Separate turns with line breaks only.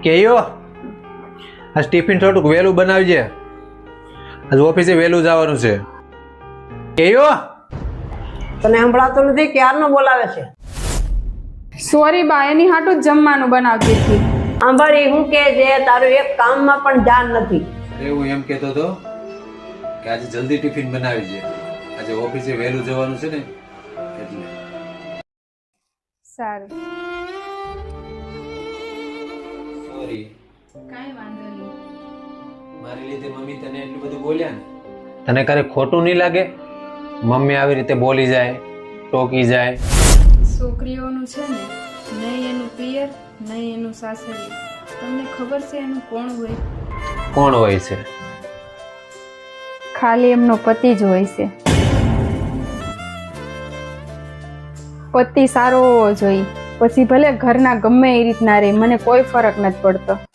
કેયો આજ ટિફિન થોડુંક વહેલું બનાવજે, આજ ઓફિસે વહેલું જવાનું છે. કેયો
તને સંભળાતું નથી? ક્યારનો બોલાવે છે?
સોરી બા, એની હાટું જ જમવાનું બનાવતી હતી.
સાંભળી, હું કે છે તારું એક કામમાં પણ ધ્યાન નથી.
અરે હું એમ કહેતો હતો કે આજે જલ્દી ટિફિન બનાવી છે, આજે ઓફિસે વહેલું જવાનું છે ને એટલે.
સારું.
સોરી,
કાંઈ વાંધો નહીં.
મારી લીધે મમ્મી તને એટલું બધું બોલ્યા ને. તને ક્યારેક ખોટું નહીં લાગે? મમ્મી આવી રીતે બોલી જાય, ટોકી જાય.
છોકરીઓનું છે ને, નહીં એનું પિયર નહીં એનું સાસરી. તમને ખબર છે એનું કોણ હોય?
કોણ હોય છે?
ખાલી એમનો પતિ જ હોય છે. પતિ સારો હોવો જોઈએ, પછી ભલે ઘરના ગમે એ રીતના રહે, મને કોઈ ફરક નથી પડતો.